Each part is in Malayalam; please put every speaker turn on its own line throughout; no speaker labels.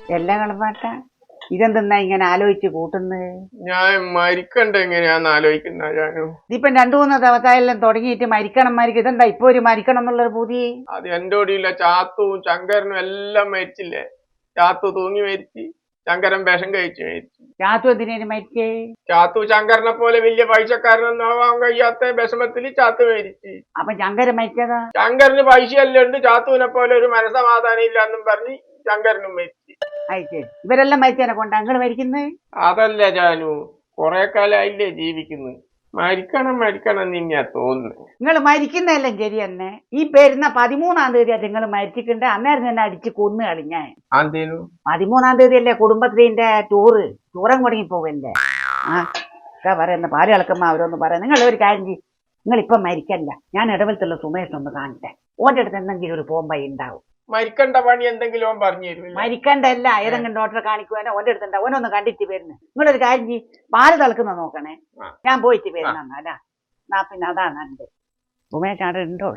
എല്ലാം കളപ്പാട്ട ഇതെന്തെന്നാ ഇങ്ങനെ ആലോചിച്ച് കൂട്ടുന്നത്?
ഞാൻ മരിക്കണ്ട എങ്ങനെയാന്ന് ആലോചിക്കുന്ന ഞാനു.
ഇതിപ്പം 2-3 ദിവസമായെല്ലാം തുടങ്ങിയിട്ട് മരിക്കണം ഇതെന്താ ഇപ്പൊ ഒരു മരിക്കണം എന്നുള്ളൊരു പൂതി?
അത് എന്റെ ഓടിയില്ല. ചാത്തുവും ശങ്കരനും എല്ലാം മരിച്ചില്ലേ. ചാത്തു തൂങ്ങി മരിച്ചു, ശങ്കരൻ വിഷം കഴിച്ചു മരിച്ചു.
ചാത്തു എന്തിനേലും മരിച്ചേ?
ചാത്തു ശങ്കരനെ പോലെ വലിയ പൈസക്കാരനൊന്നും ആവാൻ കഴിയാത്ത വിഷമത്തില് ചാത്തു മരിച്ചു.
അപ്പൊ ശങ്കരൻ മരിച്ചതാ?
ശങ്കരന് പൈസയെല്ലാം ഉണ്ട്, ചാത്തുവിനെ പോലെ ഒരു മനസമാധാനം ഇല്ലാന്നും പറഞ്ഞ് ശങ്കരനും മരിച്ചു.
ശരി, ഇവരെല്ലാം മരിച്ചതിനെ കൊണ്ടാ നിങ്ങൾ മരിക്കുന്നത്?
അതല്ല ജാനു, കൊറേ കാലമായില്ലേ ജീവിക്കുന്നു. മരിക്കണം നിന്നാ തോന്നുന്നു.
നിങ്ങൾ മരിക്കുന്നതെല്ലാം ശരി തന്നെ. ഈ വരുന്ന 13-ാം തീയതി നിങ്ങൾ മരിച്ചിട്ടുണ്ട്. അന്നേരം തന്നെ അടിച്ച് കൊന്നു കളിഞ്ഞാൻ. 13-ാം തീയതി അല്ലേ കുടുംബശ്രീന്റെ ടൂറും മുടങ്ങി പോവല്ലേ? പറയുന്ന പാല് കളക്കുമ്പോ അവരൊന്ന് പറയാം. നിങ്ങൾ ഒരു കാര്യം ചെയ്യും, നിങ്ങൾ ഇപ്പം മരിക്കല്ല. ഞാൻ ഇടവലത്തുള്ള സുമേഷിനൊന്ന് കാണട്ടെ. ഓന്റെ അടുത്ത് എന്തെങ്കിലും ഒരു പോംബൈ ഉണ്ടാവും.
മരിക്കണ്ട പണി എന്തെങ്കിലും പറഞ്ഞു തരും.
മരിക്കണ്ടല്ല, ഏതെങ്കിലും ഡോക്ടറെ കാണിക്കുവാനോ ഓന്റെ അടുത്തുണ്ടാവും. ഓനൊന്ന് കണ്ടിട്ട് വരുന്നു. നിങ്ങളൊരു കാര്യം ചെയ്യും, പാല് തിളക്കുന്ന നോക്കണേ. ഞാൻ പോയിട്ട് വരുന്നല്ല. എന്നാ പിന്നെ അതാണ് നല്ലത്. ഉമേഷ് അവിടെ ഉണ്ടോ?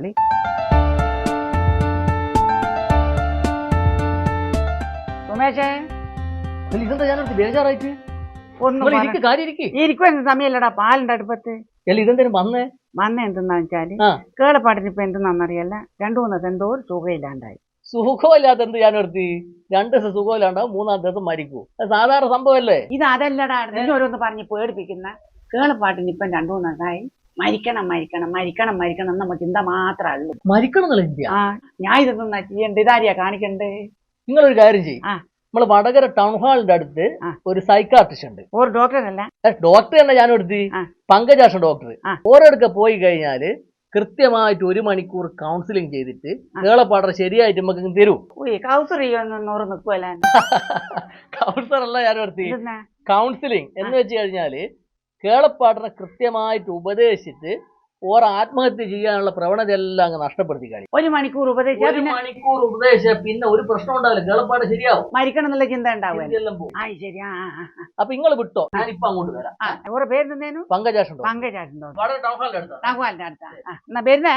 ഉമേഷേ,
ബേജാറായിട്ട്
ഇരിക്കുമെന്ന് സമയല്ലടാ. പാലിന്റെ അടുപ്പത്ത് വന്ന എന്തെന്നാ വെച്ചാല് കേളപ്പാട്ടിന് ഇപ്പൊ എന്തെന്നാന്നറിയല്ല, 2-3 ദിവസം എന്തോ ഒരു സുഖമില്ലാണ്ടായി.
സുഖമില്ലാത്ത എന്ത് ഞാൻ നിർത്തി? 2 ദിവസം സുഖമില്ലാണ്ടാവും, 3-ാം ദിവസം മരിക്കൂ. സാധാരണ സംഭവല്ലേ
ഇത്? അതല്ലടാ, ഓരോന്ന് പറഞ്ഞ് പേടിപ്പിക്കുന്ന. കേളപ്പാട്ടിന് ഇപ്പം 2-3 ദിവസമായി മരിക്കണം നമ്മ ചിന്ത മാത്രമേ ഉള്ളൂ.
മരിക്കണം
ഞാൻ ഇതൊന്നും ചെയ്യണ്ട, ഇതാരിയാ കാണിക്കണ്ടേ?
നിങ്ങളൊരു കാര്യം ചെയ്യും, നമ്മള് വടകര ടൗൺ ഹാളിന്റെ അടുത്ത് ഒരു സൈക്കാട്രിസ്റ്റ് ഉണ്ട്.
ഒരു ഡോക്ടറല്ല,
ഡോക്ടർ തന്നെ ഞാൻ എടുത്ത് പങ്കജാഷൻ ഡോക്ടർ. ഓരോടുക്ക പോയി കഴിഞ്ഞാല് കൃത്യമായിട്ട് 1 മണിക്കൂർ കൗൺസിലിംഗ് ചെയ്തിട്ട് കേളപ്പാടം ശരിയായിട്ട് നമുക്ക് തരൂ. കൗൺസിലർ അല്ല ഞാൻ എടുത്ത്, കൗൺസിലിംഗ് എന്ന് വെച്ച് കഴിഞ്ഞാല് കേളപ്പാടിനെ കൃത്യമായിട്ട് ഉപദേശിച്ചിട്ട് ഓരോ ആത്മഹത്യ ചെയ്യാനുള്ള പ്രവണത എല്ലാം അങ്ങ് നഷ്ടപ്പെടുത്തി കഴിയും.
1 മണിക്കൂർ
ഉപദേശിച്ച പിന്നെ ഒരു പ്രശ്നം ഉണ്ടാവില്ല, കേളപ്പാട് ശരിയാവും.
മരിക്കണം എന്നുള്ള ചിന്ത ഉണ്ടാവും.
അപ്പൊ നിങ്ങൾ വിട്ടോ, ഞാൻ ഇപ്പൊ അങ്ങോട്ട് വരാം.
ഓരോ പേര്
പങ്കജാഷൻ
വരുന്നേ.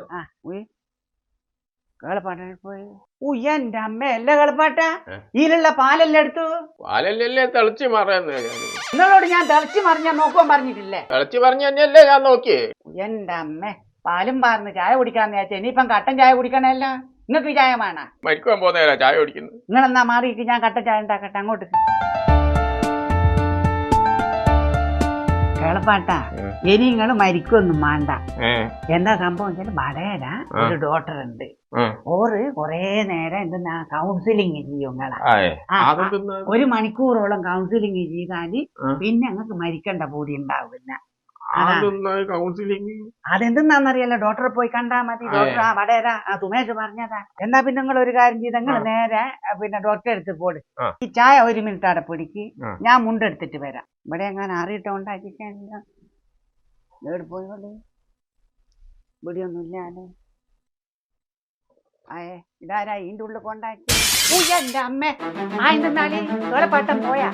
കേളപ്പാട്ട പോയി. എന്റെ അമ്മ അല്ലേ കേളപ്പാട്ട, ഇതിലുള്ള പാലെല്ലാം എടുത്തു.
പാലല്ലേ തിളച്ചു മറന്ന്
നിങ്ങളോട് ഞാൻ തിളച്ചു മറിഞ്ഞാൻ നോക്കുവാൻ പറഞ്ഞിട്ടില്ലേ?
തിളച്ചു പറഞ്ഞല്ലേ ഞാൻ നോക്കിയേ.
എന്റെ അമ്മ പാലും പാർന്ന് ചായ കുടിക്കാന്ന് വിചാരിച്ച ഇനിയിപ്പം കട്ടൻ ചായ കുടിക്കണല്ല. നിങ്ങൾക്ക് ചായ വേണ?
മരിക്കുവാൻ പോകുന്ന ചായ കുടിക്കുന്നു.
നിങ്ങളെന്നാ മാറിയിട്ട് ഞാൻ കട്ടൻ ചായ ഉണ്ടാക്കട്ടെ. അങ്ങോട്ട് കേളപ്പാട്ട, ഇനി നിങ്ങൾ മരിക്കൊന്നും വേണ്ട. എന്താ സംഭവം വെച്ചാൽ വടകര ഒരു ഡോക്ടർ ഉണ്ട്. ഓറ് കൊറേ നേരം എന്തെന്നാ കൗൺസിലിംഗ് ചെയ്യും നിങ്ങളെ. 1 മണിക്കൂറോളം കൗൺസിലിംഗ് ചെയ്താല് പിന്നെ ഞങ്ങൾക്ക് മരിക്കേണ്ട പൂതി ഉണ്ടാവില്ല. അതെന്തെന്നാന്നറിയല്ലോ, ഡോക്ടറെ പോയി കണ്ടാ മതി. ഡോക്ടർ വടകര സുമേഷ് പറഞ്ഞതാ. എന്നാ പിന്നെ നിങ്ങൾ ഒരു കാര്യം ചെയ്ത് നിങ്ങൾ നേരെ പിന്നെ ഡോക്ടറെ അടുത്ത് പോട്. ഈ ചായ 1 മിനിറ്റ് അവിടെ പിടിക്ക്, ഞാൻ മുണ്ടെടുത്തിട്ട് വരാം. ഇവിടെ എങ്ങനെ അറിയിട്ടോണ്ടാക്കിക്കാനില്ല. ഇവിടെ പോയോളൂ, ഇവിടെയൊന്നുമില്ലാലോ. ഇതാരാ ഇതിന്റെ ഉള്ളിൽ കൊണ്ടാക്കി? എന്റെ അമ്മ എന്തെന്നാളി കേളപ്പാട്ടം പോയാ?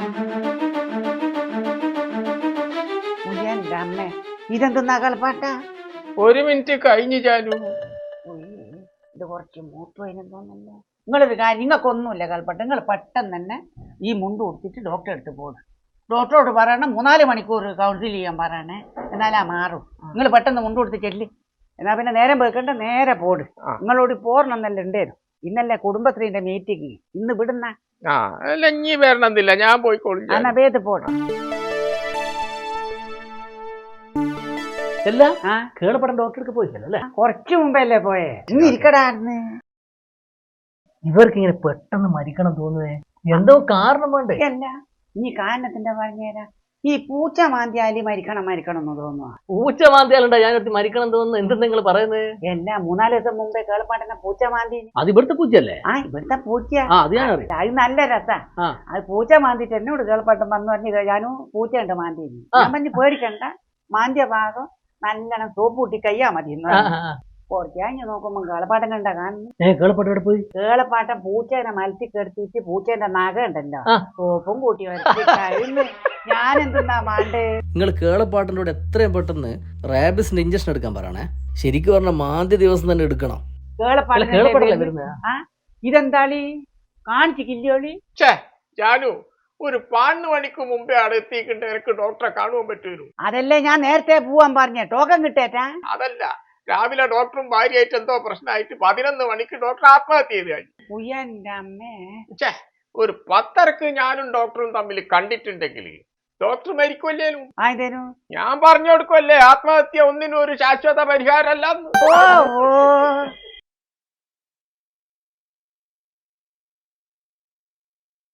എന്റെ അമ്മ ഇതെന്തെന്നാ കേളപ്പാട്ട?
1 മിനിറ്റ് കഴിഞ്ഞു ചാലു.
ഇത് കുറച്ച് മൂത്തുവതിനും തോന്നല്ലോ. നിങ്ങളൊരു കാര്യം, നിങ്ങൾക്കൊന്നുമില്ല കേളപ്പാട്ട. നിങ്ങൾ പെട്ടെന്ന് തന്നെ ഈ മുണ്ട് കൊടുത്തിട്ട് ഡോക്ടറെ അടുത്ത് പോടും. ഡോക്ടറോട് പറയണം 3-4 മണിക്കൂർ കൗൺസിൽ ചെയ്യാൻ പറയണേ, എന്നാലാ മാറും. നിങ്ങൾ പെട്ടെന്ന് മുണ്ട് കൊടുത്ത് ചെല്ലി. എന്നാ പിന്നെ നേരം വെക്കണ്ട, നേരെ പോട്. നിങ്ങളോട് പോരണമെന്നല്ല ഉണ്ടായിരുന്നു. ഇന്നല്ലേ കുടുംബശ്രീന്റെ മീറ്റിംഗ്, ഇന്ന് വിടുന്ന.
ഇനി വരണമെന്നില്ല, ഞാൻ പോയിക്കോളൂ.
എന്നാ വേദ പോട്.
കേളപ്പടം ഡോക്ടർക്ക് പോയില്ലേ?
കുറച്ചു മുമ്പല്ലേ പോയേ. ഇന്ന് ഇരിക്കടാന്ന്.
ഇവർക്ക് ഇങ്ങനെ പെട്ടെന്ന് മരിക്കണം തോന്നുവേ, എന്തോ കാരണം വേണ്ടേ?
അല്ല, ഈ കാരണത്തിന്റെ പറഞ്ഞേരാ. ഈ പൂച്ച മാന്തിയാലി മരിക്കണം എന്ന് തോന്നുവാ.
പൂച്ച മാന്തിയാലുണ്ടാ ഞാൻ മരിക്കണം തോന്നുന്നു? എന്തെന്ന് നിങ്ങൾ പറയുന്നത്?
എല്ലാ 3-4 ദിവസം മുമ്പേ കേളപ്പാട്ടനെ പൂച്ച മാന്തി.
അത് ഇവിടുത്തെ പൂച്ചയല്ലേ?
ഇവിടുത്തെ പൂച്ച.
അത് ഞാൻ അറിയാം.
അത് നല്ല രസാ. അത് പൂച്ച മാന്തിട്ട് എന്നോട് കേളപ്പാട്ടൻ വന്നു പറഞ്ഞു, ഞാനും പൂച്ച ഉണ്ട് മാന്തി. ഞാൻ പറഞ്ഞു പേടിക്കണ്ട, മാന്തിയ ഭാഗം നല്ലോണം സോപ്പ് കൂട്ടി കയ്യാ മതി. കുറച്ച് കഴിഞ്ഞ് നോക്കുമ്പോ കേളപ്പാട്ടൻ കണ്ട കാണുന്നു.
കേളപ്പാട്ടം പോയി.
കേളപ്പാട്ടൻ പൂച്ചേനെ മലത്തി കെടുത്തിട്ട് പൂച്ചേന്റെ നഖ ഉണ്ടല്ലോ സോപ്പും കൂട്ടി കഴിഞ്ഞു. ഞാൻ എന്തെന്നാ മാണ്ടേ?
നിങ്ങൾ കേളപ്പാട്ടിന്റെ കൂടെ എത്രയും പെട്ടെന്ന് റാബിസിന്റെ ഇഞ്ചക്ഷൻ എടുക്കാൻ പറയണേ. ശരിക്കും പറഞ്ഞ മാന്തി ദിവസം തന്നെ എടുക്കണം.
കേളപ്പാട്ടല്ലേ വരുന്നത്? ഇതെന്താളി കാണിച്ചില്ലയോളി?
ജാനു ഒരു 12 മണിക്ക് മുമ്പേ അവിടെ എത്തിക്കിട്ട് എനിക്ക് ഡോക്ടറെ കാണുവാൻ പറ്റുമോ?
അതല്ലേ ഞാൻ നേരത്തെ പോവാൻ പറഞ്ഞ ടോക്കൺ കിട്ടേറ്റാ.
അതല്ല, രാവിലെ ഡോക്ടറും ഭാര്യയായിട്ട് എന്തോ പ്രശ്നമായിട്ട് 11 മണിക്ക് ഡോക്ടർ ആത്മഹത്യ ചെയ്ത് കഴിഞ്ഞു.
ഉയ്യന്റെ അമ്മേ.
ഛേ, ഒരു 10:30 ഞാനും ഡോക്ടറും തമ്മിൽ കണ്ടിട്ടുണ്ടെങ്കിൽ ഡോക്ടർ മരിക്കുമല്ലേലും
ആയതേനു.
ഞാൻ പറഞ്ഞു കൊടുക്കുമല്ലേ ആത്മഹത്യ ഒന്നിനും ഒരു ശാശ്വത പരിഹാരമല്ല.
ഓ